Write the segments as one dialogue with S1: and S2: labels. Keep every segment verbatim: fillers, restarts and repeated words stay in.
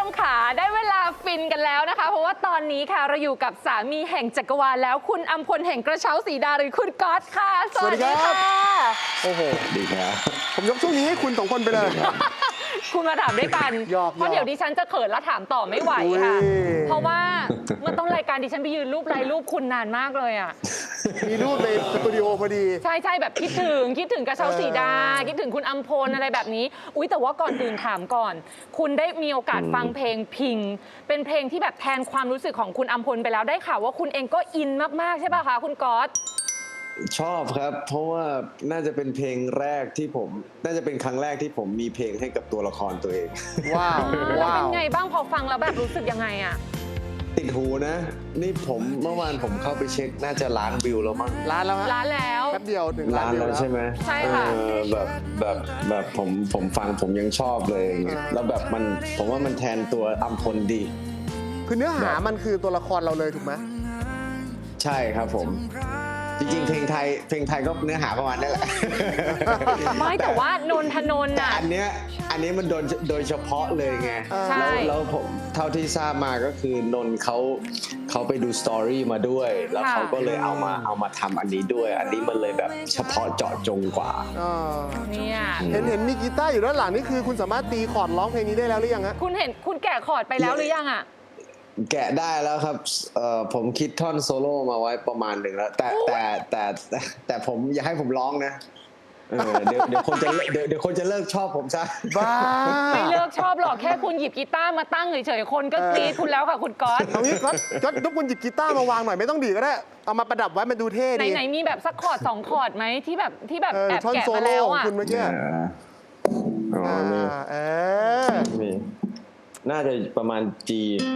S1: ค่ะได้เวลาฟินกันแล้วนะคะเพราะว่าตอนนี้ค่ะเราอยู่กับสามีแห่งจักรวาลแล้วคุณอัมพลแห่งกระเช้าสีดาหรือคุณก๊อตค่ะสวัสดีค่ะ
S2: โอ้โห
S3: ดีครับ
S2: ผมยกช่วงนี้ให้คุณสองคนไปเลย
S1: คุณมาถามด้วยกันเพราะเดี๋ยวดิฉันจะเขินแล้วถามต่อไม่ไหวค่ะเพราะว่าเมื่อต้นรายการดิฉันไปยืนรูปไลน์รูปคุณนานมากเลยอ่ะ
S2: มีรูปในสตูดิโอพอดี
S1: ใช่ใช่แบบคิดถึงคิดถึงกระเช้าสีดาคิดถึงคุณอัมพลอะไรแบบนี้อุ๊ยแต่ว่าก่อนอื่นถามก่อนคุณได้มีโอกาสฟังเพลงพิงเป็นเพลงที่แบบแทนความรู้สึกของคุณอัมพลไปแล้วได้ข่าวว่าคุณเองก็อินมากๆใช่ป่ะคะคุณก๊อต
S3: ชอบครับเพราะว่าน่าจะเป็นเพลงแรกที่ผมน่าจะเป็นครั้งแรกที่ผมมีเพลงให้กับตัวละครตัวเอง
S2: ว้าว
S1: ว้าวเป็นไงบ้างพอฟังแล้วแบบรู้สึกยังไงอะ
S3: ติดหูนะนี่ผมเมื่อวานผมเข้าไปเช็คน่าจะล้านวิวแล้วมั้ง
S2: ล้านแล้ว
S1: ล้านแล้ว
S2: แป๊บเดียวถึง
S3: ล้านแล้วใช่ไหม
S1: ใช่ค่ะ
S3: แบบแบบแบบผมผมฟังผมยังชอบเลยแล้วแบบมันผมว่ามันแทนตัวอัมพลดี
S2: คือเนื้อหามันคือตัวละครเราเลยถูกไหม
S3: ใช่ครับผมจริงๆเพลงไทยเพลงไทยก็เนื้อหาประมาณนั้นแหละ
S1: ไม่แต่ว่านนทนนท์
S3: แต่อันเนี้ยอันนี้มันโดนโดยเฉพาะเลยไงแล้วแล้วผมเท่าที่ทราบมาก็คือนนท์เขาเขาไปดูสตอรี่มาด้วยแล้วเขาก็เลยเอามาเอามาทำอันนี้ด้วยอันนี้มันเลยแบบเฉพาะเจาะจงกว่า
S1: เนี่ย
S2: เห็นเห็นมีกีตาร์อยู่ด้านหลังนี่คือคุณสามารถตีคอร์ดร้องเพลงนี้ได้แล้วหรือยังฮะ
S1: คุณเห็นคุณแกะคอร์ดไปแล้วหรือยังอ่ะ
S3: แกะได้แล้วครับผมคิดท่อนโซโล่มาไว้ประมาณหนึ่งแล้วแต่แต่แต่แต่ผมอยากให้ผมร้องนะเดี๋ยวเดี๋ยวคนจะเดี๋ยวเดี๋ยวคนจะเลิกชอบผมซะ
S2: บ้า
S1: ไม่เลิกชอบหรอกแค่คุณหยิบกีตาร์มาตั้งเฉยๆคนก็กรี๊ดคุณแล้วค่ะคุณก๊อต
S2: เอางี้ก๊อตก๊อตทุกคนหยิบกีตาร์มาวางหน่อยไม่ต้องดีก็ได้เอามาประดับไว้มันดูเท่ดี
S1: ไหนๆมีแบบสักคอร์ดสองคอร์ดไหมที่แบบที่แบบแอบแกะมาแล้วอ่ะ
S2: คุณเมื่อกี้
S3: อ๋อมีมีน่าจะประมาณ G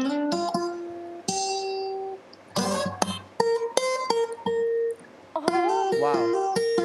S2: ว้าว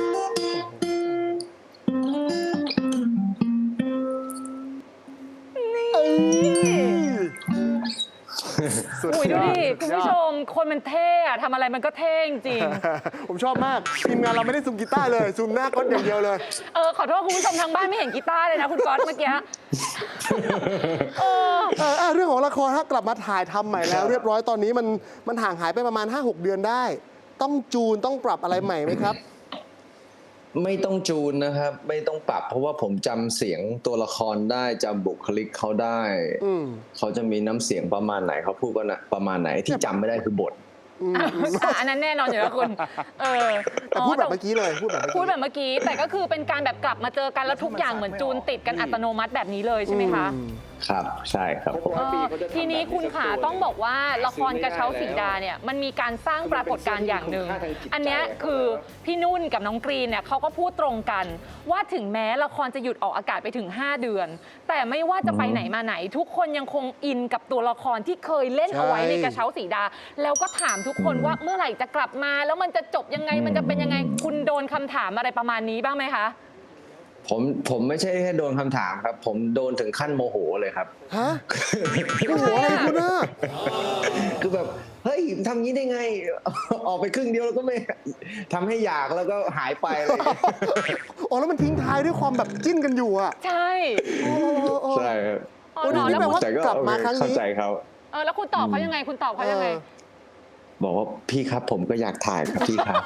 S1: อุ้ยดูดิคุณผู้ชมคนมันเท่อะทำอะไรมันก็เท่จริง
S2: ผมชอบมากทีมงานเราไม่ได้ซูมกีตาร์เลยซูมหน้าก๊อตอย่างเดียวเลย
S1: เออขอโทษคุณผู้ชมทางบ้านไม่เห็นกีตาร์เลยนะคุณก๊อตเมื่อกี้
S2: เออเรื่องของละครฮะกลับมาถ่ายทำใหม่แล้วเรียบร้อยตอนนี้มันมันห่างหายไปประมาณ ห้าหก เดือนได้ต้องจูนต้องปรับอะไรใหม่ไหมครับ
S3: ไม่ต้องจูนนะครับไม่ต้องปรับเพราะว่าผมจำเสียงตัวละครได้จำบุคลิกเขาได้เขาจะมีน้ำเสียงประมาณไหนเขาพูดก็นะประมาณไหนที่จำไม่ได้คือบท
S1: อันนั้นแน่นอนอยู่แล้วคุณเออ
S2: พูดแบบเมื่อกี้เลยพูดแบบ
S1: พูดแบบเมื่อกี้แต่ก็คือเป็นการแบบกลับมาเจอกันแล้วทุกอย่างเหมือนจูนติดกันอัตโนมัติแบบนี้เลยใช่ไหมคะ
S3: ครับใช่ครับ
S1: ทีนี้คุณขาต้องบอกว่าละครกระเช้าสีดาเนี่ยมันมีการสร้างปรากฏการณ์อย่างหนึ่งอันนี้คือพี่นุ่นกับน้องกรีนเนี่ยเขาก็พูดตรงกันว่าถึงแม้ละครจะหยุดออกอากาศไปถึงห้าเดือนแต่ไม่ว่าจะไปไหนมาไหนทุกคนยังคงอินกับตัวละครที่เคยเล่นเอาไว้ในกระเช้าสีดาแล้วก็ถามทุกคนว่าเมื่อไหร่จะกลับมาแล้วมันจะจบยังไงมันจะเป็นยังไงคุณโดนคำถามอะไรประมาณนี้บ้างไหมคะ
S3: ผมผมไม่ใช่แค่โดนคำถามครับผมโดนถึงขั้นโมโหเลยครับ
S2: ฮะโมโหอะไรคุณน่ะ
S3: คือแบบเฮ้ยทำงี้ได้ไงออกไปครึ่งเดียวแล้วก็ไม่ทำให้อยากแล้วก็หายไปเลย
S2: อ๋อแล้วมันทิ้งท้ายด้วยความแบบจิ้นกันอยู่อ่ะ
S1: ใช่
S3: ใช่ครับ
S2: โอ้นี่แปลว่ากลับมาครั้งนี้
S3: เข้าใจเขา
S1: เออแล้วคุณตอบเขายังไงคุณตอบเขายังไง
S3: บอกว่าพี่ครับผมก็อยากถ่ายครับพี่ครับ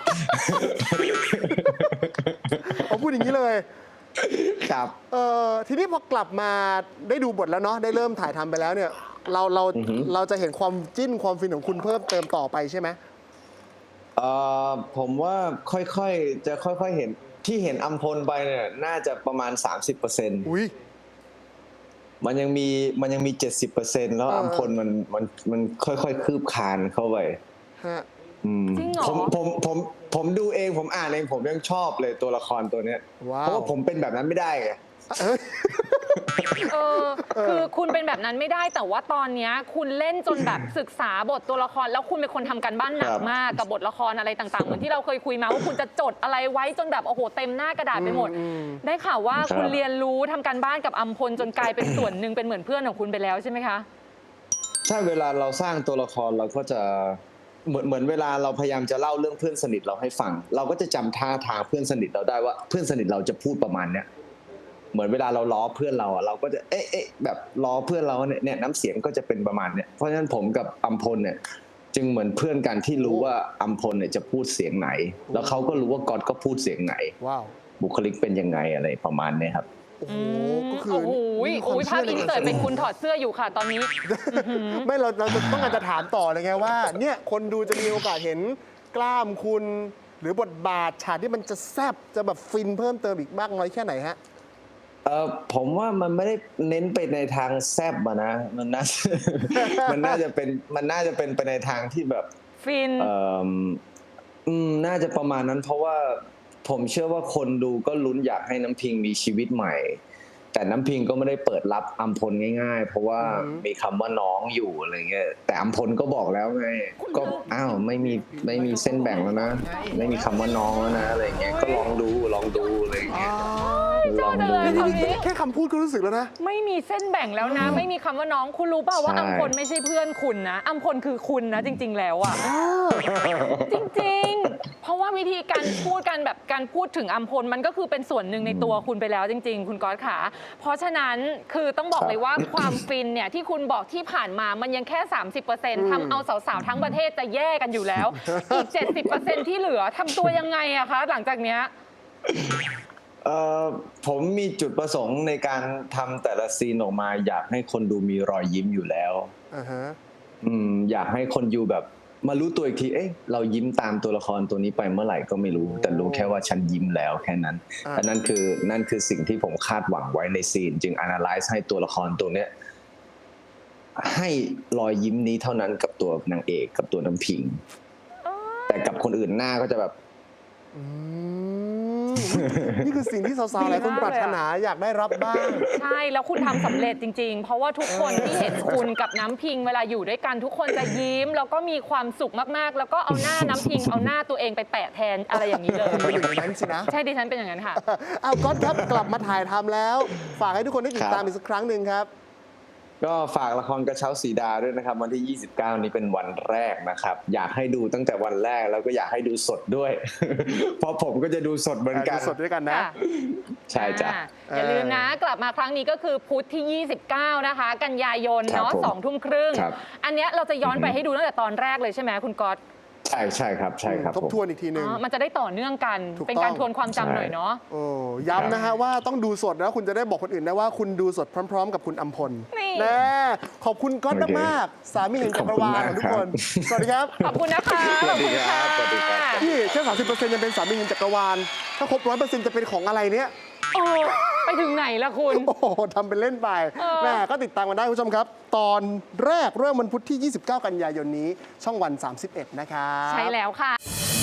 S2: เขาพูดอย่างนี้เลย
S3: ครับ
S2: เออทีนี้พอกลับมาได้ดูบทแล้วเนาะได้เริ่มถ่ายทำไปแล้วเนี่ยเราเราเราจะเห็นความจิ้นความฟินของคุณเพิ่มเติมต่อไปใช่ไหม
S3: เอ่อผมว่าค่อยๆจะค่อยๆเห็นที่เห็นอัมพลไปเนี่ยน่าจะประมาณ สามสิบเปอร์เซ็นต์
S2: อุ้ย
S3: มันยังมีมันยังมี เจ็ดสิบเปอร์เซ็นต์ แล้วอัมพลมันมันมันค่อยๆคืบคลานเข้าไป
S1: จริงเหรอ
S3: ผมผมผมผมดูเองผมอ่านเองผมยังชอบเลยตัวละครตัวเนี้ยเพราะว่าผมเป็นแบบนั้นไม่ได้ไง
S1: เออคือคุณเป็นแบบนั้นไม่ได้แต่ว่าตอนนี้คุณเล่นจนแบบศึกษาบทตัวละครแล้วคุณเป็นคนทำการบ้านหนักมากกับบทละครอะไรต่างๆเหมือนที่เราเคยคุยมาว่าคุณจะจดอะไรไว้จนแบบโอ้โหเต็มหน้ากระดาษไปหมดได้ข่าวว่าคุณเรียนรู้ทำการบ้านกับอัมพลจนกลายเป็นส่วนหนึ่งเป็นเหมือนเพื่อนของคุณไปแล้วใช่ไหมคะ
S3: ใช่เวลาเราสร้างตัวละครเราก็จะเหมือนเหมือนเวลาเราพยายามจะเล่าเรื่องเพื่อนสนิทเราให้ฟังเราก็จะจำท่าทางเพื่อนสนิทเราได้ว่าเพื่อนสนิทเราจะพูดประมาณเนี้ยเหมือนเวลาเราล้อเพื่อนเราอะเราก็จะเอ๊ะเอ๊ะแบบล้อเพื่อนเราเนี่ยเนี่ยน้ำเสียงก็จะเป็นประมาณเนี่ยเพราะฉะนั้นผมกับอัมพลเนี่ยจึงเหมือนเพื่อนกันที่รู้ว่าอัมพลเนี่ยจะพูดเสียงไหน แล้วเขาก็รู้ว่าก๊อตก็พูดเสียงไหน
S2: ว้าว
S3: บุคลิกเป็นยังไงอะไรประมาณเนี้ครับ
S2: โอ้โหก็คือ
S1: โอ้โห
S2: มีคว
S1: โอ้
S2: ม
S1: ยภาพ
S2: ชื่
S1: อิน
S2: ใ
S1: เสิร์ตเป็นคุณถอดเสื้ออยู่ค่ะตอนนี้
S2: ไม่เราเราจะต้องการจะถามต่อเลยไงว่าเนี่ยคนดูจะมีโอกาสเห็นกล้ามคุณ หรือบทบาทฉากที่มันจะแซบจะแบบฟินเพิ่มเติมอีกมากน้อยแค่ไหนฮะ
S3: เออผมว่ามันไม่ได้เน้นไปในทางแซบอะนะมันน่า มันน่าจะเป็นมันน่าจะเป็นไปในทางที่แบบ
S1: ฟิน
S3: เอ่ออืมน่าจะประมาณนั้น เพราะว่าผมเชื่อว่าคนดูก็ลุ้นอยากให้น้ำพิงมีชีวิตใหม่ แต่น้ำพิงก็ไม่ได้เปิดรับอัมพลง่ายๆ เพราะว่ามีคำว่าน้องอยู่อะไรเงี้ยแต่อัมพลก็บอกแล้วไงก็อ้าวไม่มีไม่มีเส้นแบ่งแล้วนะไม่มีคำว่าน้องแล้วนะอะไรเงี้ยก็ลองดูลองดูอะไรเงี้ยลองดู
S1: ชอบจังเลย
S2: นี่นี่แค่คำพูดก็รู้สึกแล้วนะ
S1: ไม่มีเส้นแบ่งแล้วนะ ไม่มีคำว่าน้องคุณรู้เปล่าว่า
S3: ใช่
S1: อัมพลไม่ใช่เพื่อนคุณนะอัมพลคือคุณนะจริง ๆ แล้วอะจริงๆ เพราะว่าวิธีการพูดกันแบบการพูดถึงอัมพลมันก็คือเป็นส่วนหนึ่งในตัวคุณไปแล้วจริง ๆ คุณก๊อตขาเพราะฉะนั้นคือต้องบอกเลยว่าความฟินเนี่ยที่คุณบอกที่ผ่านมามันยังแค่ สามสิบเปอร์เซ็นต์ ทำเอาสาวๆทั้งประเทศจะแย่กันอยู่แล้ว อีก เจ็ดสิบเปอร์เซ็นต์ ที่เหลือทำตัวยังไงอะคะหลังจากเนี้ย
S3: เอ่อผมมีจุดประสงค์ในการทำแต่ละซีนออกมา อยากให้คนดูมีรอยยิ้มอยู่แล้ว
S2: อ่าฮะ
S3: อืมอยากให้คนอยู่แบบมารู้ตัวอีกที เอ๊ะเรายิ้มตามตัวละครตัวนี้ไปเมื่อไหร่ก็ไม่รู้ แต่รู้แค่ว่าฉันยิ้มแล้วแค่นั้น
S2: อ่า
S3: อันนั้นคือนั่นคือสิ่งที่ผมคาดหวังไว้ในซีน จึง analyze ให้ตัวละครตัวเนี้ยให้รอยยิ้มนี้เท่านั้นกับตัวนางเอกกับตัวน้ำพิง แต่กับคนอื่นหน้าก็จะแบบ
S2: อืมนี่คือสิ่งที่สาวๆหลายคนปรารถนาอยากได้รับบ้าง
S1: ใช่ แล้วคุณทำสำเร็จจริง ๆ เพราะว่าทุกคนที่เห็นคุณกับน้ำพิงเวลาอยู่ด้วยกันทุกคนจะยิ้ม แล้วก็มีความสุขมากๆ แล้วก็เอาหน้าน้ำพิง เอาหน้าตัวเองไปแปะแทนอะไรอย่างนี้เลย
S2: เป็นอย่างนั้นสินะ
S1: ใช่ดิฉันเป็นอย่างนั้นค่ะ
S2: เอาก๊อตครับกลับมาถ่ายทำแล้ว ฝากให้ทุกคนได้ติดตามอีกสักครั้งหนึ่งครับ
S3: ก็ฝากละครกระเช้าสีดาด้วยนะครับ วันที่ ยี่สิบเก้า นี้เป็นวันแรกนะครับ อยากให้ดูตั้งแต่วันแรกแล้วก็อยากให้ดูสดด้วย เพราะผมก็จะดูสดเหมือนกัน
S2: ดูสดด้วยกันนะ
S1: ค่ะ
S3: ใช่จ้ะ
S1: อ่าอย่าลืมนะ กลับมาครั้งนี้ก็คือพุธที่ ยี่สิบเก้า นะคะ กันยายน
S3: ครับ
S1: เนาะ
S3: ผม
S1: สองทุ่มครึ่ง
S3: ครับ
S1: อันเนี้ยเราจะย้อนไป
S3: อือฮึ
S1: ให้ดูตั้งแต่ตอนแรกเลยใช่ไหมคุณก๊อต
S3: ใช่ใช่ครับใช่ครับ
S2: ทบ
S3: ผม
S2: ทวนอีกทีหนึ่ง
S1: อ๋อมันจะได้ต่อเนื่องกัน
S2: ถูกต้อง
S1: เป็นการทวนความจำหน่อยเนาะ
S2: โอ้ย้ำนะฮะว่าต้องดูสดแล้วคุณจะได้บอกคนอื่นได้ว่าคุณดูสดพร้อม ๆ กับคุณอัมพล
S1: นี่
S2: แน่ขอบคุณก๊อต
S3: โอเค
S2: มากๆสามีแห่งจักรวาลของทุกคน สวัสดีครับ
S1: ขอบคุณนะคะ
S3: สวัสดีครับสวัสดีครับ
S2: พี่แค่สามสิบเปอร์เซ็นต์ยังเป็นสามีแห่งจักรวาล ถ้าครบร้อยเปอร์เซ็นต์จะเป็นของอะไรเนี้ย
S1: โอ้ไปถึงไหนล่ะคุณ
S2: โอ้โหทำเป็นเล่นไป
S1: เออ
S2: แม่ก็ติดตามกันได้คุณผู้ชมครับ ตอนแรกเริ่มวันพุธที่ ยี่สิบเก้า กันยายนนี้ช่องวัน สามสิบเอ็ด นะครับ
S1: ใช่แล้วค่ะ